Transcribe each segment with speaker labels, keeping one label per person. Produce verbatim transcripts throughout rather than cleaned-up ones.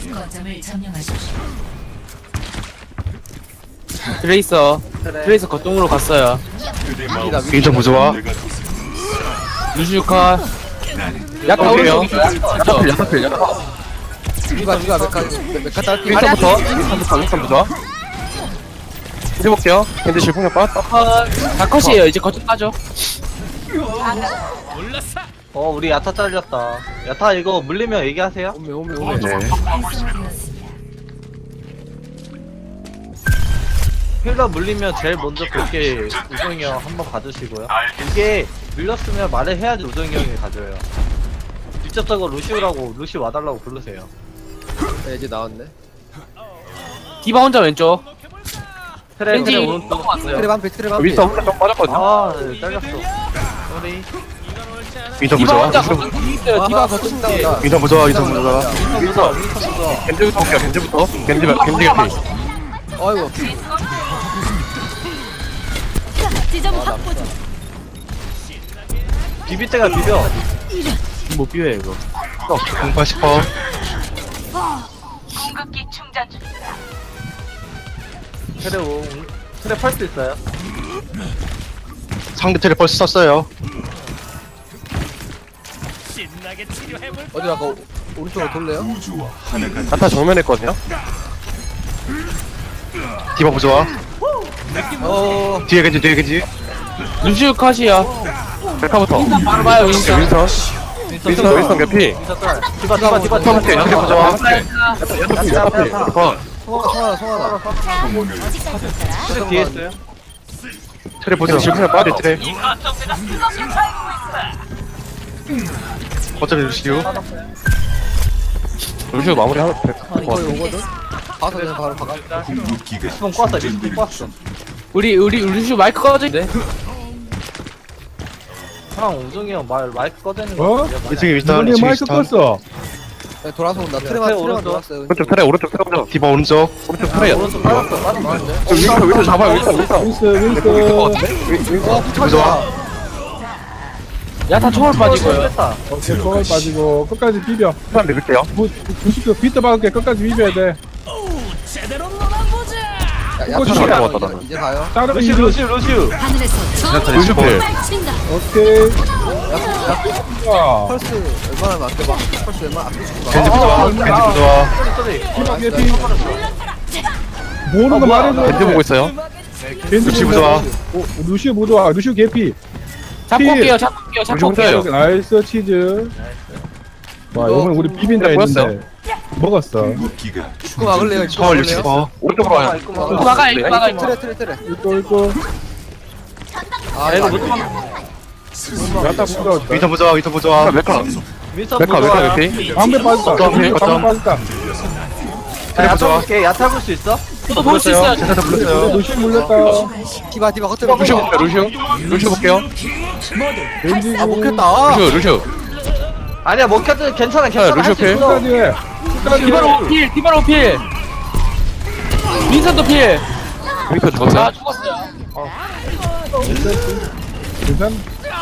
Speaker 1: 거점을 점령하십시오.
Speaker 2: 트레이서 트레이서 거점으로 갔어요.
Speaker 3: 윈터 부조화.
Speaker 2: 루시우카 야타
Speaker 3: 어, 그래요?
Speaker 2: 오른쪽이죠. 야타필 야타필 야타.
Speaker 4: 누가 누가 메카 메카 딸피
Speaker 3: 윈터부터. 윈터부터 윈터 부조화. 해볼게요. 겐지 질풍력 빠.
Speaker 2: 다 컷이에요. 이제 거점 따죠.
Speaker 5: 어 우리 야타 잘렸다. 야타 이거 물리면 얘기하세요.
Speaker 4: 오메 오메 오메
Speaker 3: 네.
Speaker 1: 활성화되었습니다.
Speaker 5: 힐러 물리면 제일 먼저 볼게 우정이 형 한번 가주시고요. 이게 물렸으면 말을 해야지 우정이 형이 가져요. 직접적으로 루시우라고 루시 와달라고 부르세요.
Speaker 4: 네, 이제 나왔네.
Speaker 2: 디바 혼자 왼쪽.
Speaker 5: 트레
Speaker 2: 왠지
Speaker 5: 트레 오른쪽.
Speaker 2: 넘어갔어요.
Speaker 4: 트레 반피 트레 반피.
Speaker 3: 윈터 혼자 좀 빠졌거든요.
Speaker 5: 아 네, 잘렸어. 쏘리.
Speaker 3: 윈터
Speaker 2: 디바
Speaker 3: 부조화.
Speaker 2: 혼자 거점 뒤에 있어요. 디바 거점 뒤에.
Speaker 4: 나온다.
Speaker 3: 윈터 부조화. 윈터 부조화.
Speaker 5: 윈터 무서 윈터 무서.
Speaker 3: 겐지부터 볼게요. 겐지부터. 겐지 겐지 개피.
Speaker 4: 아이고.
Speaker 1: 지점 확보 중.
Speaker 5: 비빌 때가 비벼.
Speaker 2: 못 비워요 이거.
Speaker 3: 공팔십 퍼.
Speaker 1: 공급기 충전 중.
Speaker 5: 트레 오 트레 펄스 있어요.
Speaker 3: 상대 트레 벌써 썼어요.
Speaker 4: 어디 아까 오- 오른쪽으로 돌래요?
Speaker 3: 아타 정면했거든요. 디바 부조화.
Speaker 4: 어.
Speaker 3: 뒤에 겐지 뒤에 겐지.
Speaker 2: 루시우 컷이야.
Speaker 3: 백화부터.
Speaker 2: 바로 봐요 윈서.
Speaker 3: 윈터. 윈터 윈터 개피.
Speaker 5: 윈터 짤. 디바 디바 디바
Speaker 3: 윈터 트레 트레 부조화.
Speaker 5: 야타 야타 야타.
Speaker 3: 컷.
Speaker 4: 성하나 성하나 성하나.
Speaker 5: 트레 뒤에 있어요.
Speaker 3: 트레 부조화. 질풍력 빠져 트레. 어차피 루시우. 루시우 마무리 하나 될것
Speaker 4: 거의
Speaker 3: 같아.
Speaker 4: 오거든. 가서 그냥 바로 박아.
Speaker 5: 리스폰 꼬았어 리스폰 꼬았어.
Speaker 2: 우리 우리 루시우 마이크 꺼져 있는데.
Speaker 5: 형 우정이 형 말 마이크 꺼대는
Speaker 6: 어?
Speaker 5: 거 같아요.
Speaker 3: 이층에 윈스턴.
Speaker 6: 이번에
Speaker 3: 이층에
Speaker 6: 마이크
Speaker 3: 윈스턴.
Speaker 6: 껐어.
Speaker 4: 네, 돌아서 온다.
Speaker 5: 네,
Speaker 4: 트레만
Speaker 5: 트레
Speaker 4: 트레만
Speaker 5: 오른쪽.
Speaker 4: 돌았어요.
Speaker 3: 오른쪽 트레 오른쪽 트레 오른쪽. 디바 오른쪽. 오른쪽 트레.
Speaker 5: 오른쪽 빠졌어 빠졌어.
Speaker 3: 윈터 윈터 잡아요 윈터 윈터.
Speaker 6: 윈스 윈스.
Speaker 4: 어,
Speaker 3: 부조화.
Speaker 2: 야타 초월 빠지고요.
Speaker 5: 뺐다.
Speaker 6: 오케이 초월 빠지고 끝까지 비벼.
Speaker 3: 사람 밀게요.
Speaker 6: 구십 도 비트 박을게 끝까지 비벼야 돼.
Speaker 4: 야,
Speaker 6: 이거
Speaker 4: 야타
Speaker 6: 진짜
Speaker 4: 나와.
Speaker 3: 나왔다,
Speaker 4: 이제- 이제 가요.
Speaker 6: 다른
Speaker 5: 루시
Speaker 6: 이즈.
Speaker 5: 루시 루시.
Speaker 1: 하늘에서
Speaker 3: 루시우 필.
Speaker 1: 친다.
Speaker 6: 오케이. 야.
Speaker 4: 펄스 얼마나 아껴봐. 펄스 얼마나 아껴주지 마.
Speaker 3: 겐지 부조화. 겐지 부조화.
Speaker 5: 쏘리 쏘리.
Speaker 6: 디바 개피. 모르는 거
Speaker 5: 어, 뭐야.
Speaker 6: 말해줘.
Speaker 3: 겐지 보고 있어요.
Speaker 6: 겐지
Speaker 3: 루시
Speaker 6: 보고
Speaker 3: 부조화.
Speaker 6: 오, 루시우 부조화. 루시우 개피.
Speaker 2: 잡고
Speaker 6: 필.
Speaker 2: 올게요. 잡고 올게요. 잡고 올게요.
Speaker 3: 루시우
Speaker 6: 나이스 치즈. 와 이번엔 우리 비빈다 했는데 먹었어.
Speaker 4: 입구 막을래요? 입구
Speaker 3: 서울 육십
Speaker 4: 막을래요?
Speaker 3: 퍼. 오른쪽으로 와요.
Speaker 5: 입구
Speaker 2: 이거
Speaker 5: 막아.
Speaker 2: 막아 이거 막아 이거.
Speaker 4: 트레 트레 트레.
Speaker 6: 이거 이거.
Speaker 4: 아
Speaker 5: 이거
Speaker 4: 이거
Speaker 5: 못
Speaker 4: 안
Speaker 6: 야타 부조화.
Speaker 3: 윈터 부조화. 윈터 부조화. 메카.
Speaker 5: 윈서
Speaker 3: 메카 메카
Speaker 5: 부조화.
Speaker 3: 개피.
Speaker 6: 방배 빠졌다.
Speaker 3: 어쩜,
Speaker 6: 방배
Speaker 3: 어쩜.
Speaker 6: 빠졌다.
Speaker 3: 트레
Speaker 5: 야타
Speaker 3: 부조화.
Speaker 5: 볼게. 야타 볼 수 있어?
Speaker 2: 저도 볼 수 있어요.
Speaker 3: 제사도 불렀어요.
Speaker 6: 루시우 물렸다.
Speaker 4: 디바 디바 겉에
Speaker 3: 루시오 볼게요. 루시오. 루시오 볼게요.
Speaker 6: 왠지
Speaker 4: 아 먹혔다.
Speaker 3: 루시오 루시오.
Speaker 5: 아니야 먹혔든 괜찮아 괜찮아.
Speaker 3: 루시오
Speaker 5: 할수
Speaker 3: 필.
Speaker 5: 있어.
Speaker 6: 끝까지 해. 끝까지 해.
Speaker 2: 디바로 필. 디바로 필. 윈선도 필.
Speaker 3: 윈터
Speaker 2: 아
Speaker 3: 죽었어요.
Speaker 2: 죽었어요.
Speaker 6: 괜찮?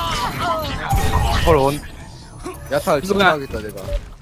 Speaker 3: 헐 원.
Speaker 4: 야타 지금하겠다 내가.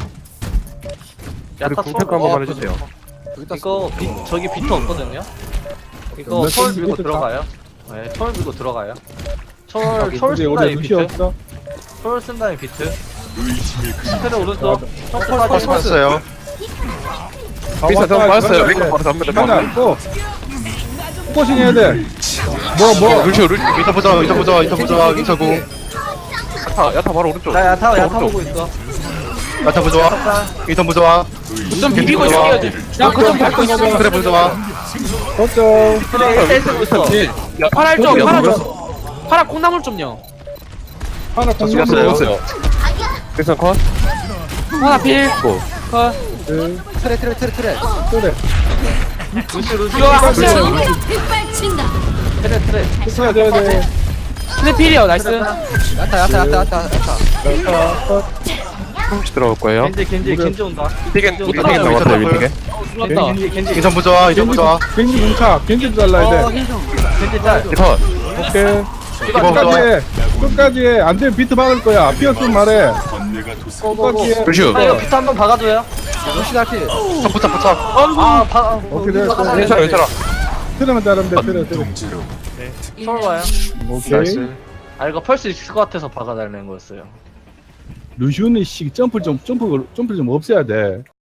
Speaker 5: 야타
Speaker 3: 우리 공평 한번만 해주세요.
Speaker 4: 여기다
Speaker 5: 이거 비, 저기 비트 없거든요. 이거
Speaker 6: 몇
Speaker 5: 철
Speaker 6: 분
Speaker 5: 밀고
Speaker 6: 비트
Speaker 5: 들어가요. 네, 철 밀고 들어가요. 철,
Speaker 6: 근데
Speaker 5: 철
Speaker 6: 우리
Speaker 5: 쓴다는
Speaker 6: 루시
Speaker 5: 비트.
Speaker 6: 없어.
Speaker 5: 철 쓴다는 비트. 스페르 오른쪽. 펄스
Speaker 3: 펄스
Speaker 5: 빠지고.
Speaker 3: 빠졌어요.
Speaker 6: 아,
Speaker 3: 윈터 좀
Speaker 6: 왔다,
Speaker 3: 빠졌어요.
Speaker 6: 왔다,
Speaker 3: 윈터
Speaker 6: 왔다.
Speaker 3: 바로 잡니다.
Speaker 6: 하나 있고. 포커싱 해야 돼. 뭐 뭐.
Speaker 3: 루시오 루시오. 윈터 부조화. 윈터 부조화. 윈터 부조화. 윈터 구. 야타 야타 바로 오른쪽.
Speaker 5: 나 야타, 야타
Speaker 3: 오른쪽.
Speaker 5: 보고 있어.
Speaker 3: 야타 부조화. 윈터 부조화.
Speaker 2: 좀 비비고
Speaker 3: 좋아.
Speaker 2: 있을게요. 야 거점 밟고 있어.
Speaker 3: 트레 부조화.
Speaker 6: 걱정.
Speaker 5: 그래, 일 대 일 쓰고 있어.
Speaker 2: 파랄 좀
Speaker 6: 거기가
Speaker 2: 파라
Speaker 6: 뭐야?
Speaker 2: 좀. 파라 콩나물 좀요.
Speaker 6: 하나 공격
Speaker 3: 죽었어요.
Speaker 6: 들어갔어요.
Speaker 3: 그래서 컷.
Speaker 2: 하나 필.
Speaker 3: 고.
Speaker 2: 컷.
Speaker 6: 네.
Speaker 4: 트레 트레 트레 트레.
Speaker 6: 그래.
Speaker 5: 루시, 루시.
Speaker 2: 이거 하세요.
Speaker 1: 정의를 빗발친다.
Speaker 5: 트레, 트레.
Speaker 6: 해야 돼, 돼.
Speaker 2: 근데 필이요. 나이스.
Speaker 4: 야타 야타 야타 야타 야타.
Speaker 6: 자, 컷.
Speaker 3: 혹시 들어올 거예요.
Speaker 5: 겐지, 겐지, 겐지 온다.
Speaker 3: 윈티겐
Speaker 5: 겐지
Speaker 3: 윈티겐
Speaker 5: 온다.
Speaker 3: 나왔어요. 윈티겐.
Speaker 2: 죽었다.
Speaker 5: 겐지, 겐지.
Speaker 3: 윈터 부조화. 윈터 부조화.
Speaker 6: 겐지 뭉차. 겐지도 잘라야 돼.
Speaker 5: 겐지 짤.
Speaker 3: 컷.
Speaker 6: 오케이.
Speaker 3: 디바
Speaker 6: 끝까지
Speaker 3: 부조화.
Speaker 6: 해. 끝까지 해. 안 되면 비트 박을 거야. 피었으면 말해. 끝까지 해.
Speaker 3: 루시오.
Speaker 5: 아, 이거 비트 한번 박아줘요.
Speaker 4: 루시 달피.
Speaker 3: 붙어 붙어 붙어.
Speaker 5: 아, 바,
Speaker 6: 오케이, 됐어.
Speaker 3: 괜찮아 괜찮아.
Speaker 6: 트레만 따르면 돼, 트레, 트레.
Speaker 5: 서로 봐요.
Speaker 6: 오케이.
Speaker 3: 나이스.
Speaker 5: 아, 이거 펄 수 있을 것 같아서 박아달라는 거였어요.
Speaker 6: 루시오는 씨 점프 좀, 점프, 점프 좀 없애야 돼.